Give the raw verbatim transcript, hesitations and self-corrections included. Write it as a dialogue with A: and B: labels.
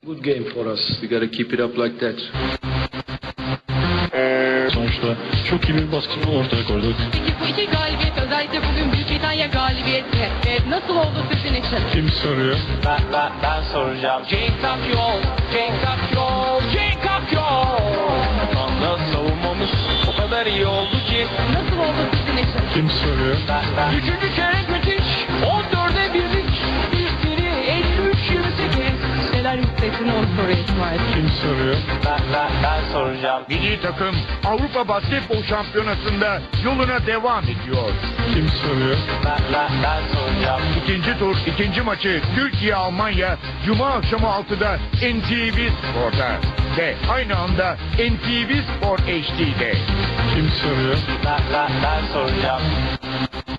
A: Good game for us. We gotta keep it up like that.
B: Sonuçta çok iyi bir basketbol ortaya koyduk.
C: Peki bu iki galibiyet, özellikle bugün Büyük Britanya galibiyeti e, nasıl oldu sizin için?
B: Kim soruyor?
D: Ben, ben, ben soracağım. Cenk Akyol, Cenk Akyol, Cenk Akyol. Anda savunmamız o kadar iyi oldu ki.
C: Nasıl oldu sizin için?
B: Kim soruyor?
D: Ben, ben. Üçüncü çeyrek müthiş. on dörde birlik. İlkleri elli üç yirmi sekiz.
C: Neler hissettin o soruya İsmail?
B: Kim soruyor?
D: Ben, ben, ben soracağım.
E: Milli takım Avrupa Basketbol Şampiyonası'nda yoluna devam ediyor.
B: Kim soruyor?
D: Ben, ben, ben soracağım.
E: İkinci tur, ikinci maçı Türkiye-Almanya Cuma akşamı altıda N T V Spor'da ve aynı anda N T V Spor H D'de.
B: Kim soruyor?
D: Ben, ben, ben soracağım.